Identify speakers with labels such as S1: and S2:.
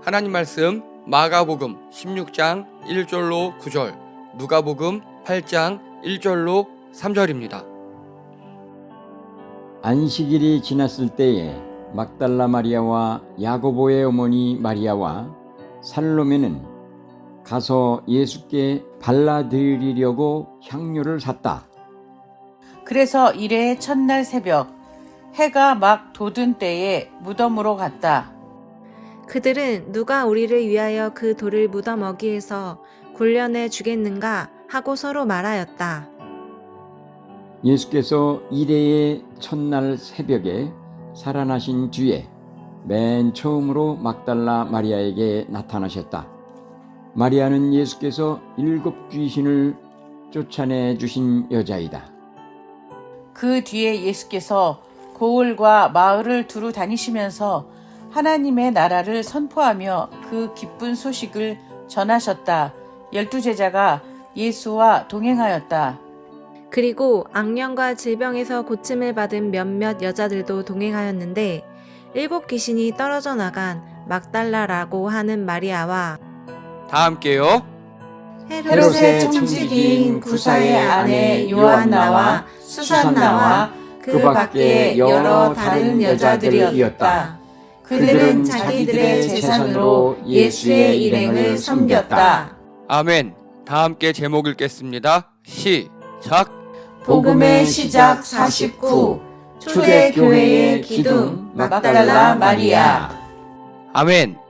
S1: 하나님 말씀 마가복음 16장 1절로 9절, 누가복음 8장 1절로 3절입니다.
S2: 안식일이 지났을 때에 막달라 마리아와 야고보의 어머니 마리아와 살로메는 가서 예수께 발라드리려고 향료를 샀다.
S3: 그래서 이레의 첫날 새벽 해가 막 돋은 때에 무덤으로 갔다.
S4: 그들은 누가 우리를 위하여 그 돌을 무덤 어귀에서 굴려내 주겠는가 하고 서로 말하였다.
S2: 예수께서 이레의 첫날 새벽에 살아나신 뒤에 맨 처음으로 막달라 마리아에게 나타나셨다. 마리아는 예수께서 7 귀신을 쫓아내 주신 여자이다.
S3: 그 뒤에 예수께서 고을과 마을을 두루 다니시면서 하나님의 나라를 선포하며 그 기쁜 소식을 전하셨다. 12 제자가 예수와 동행하였다.
S4: 그리고 악령과 질병에서 고침을 받은 몇몇 여자들도 동행하였는데 7 귀신이 떨어져 나간 막달라라고 하는 마리아와
S1: 다 함께요.
S3: 헤롯의 청지기인 구사의 아내 요한나와 수산나와 그 밖에 여러 다른 여자들이었다. 그들은 자기들의 재산으로 예수의 일행을 섬겼다.
S1: 아멘. 다 함께 제목 읽겠습니다. 시작.
S3: 복음의 시작 49 초대교회의 기둥 막달라 마리아.
S1: 아멘.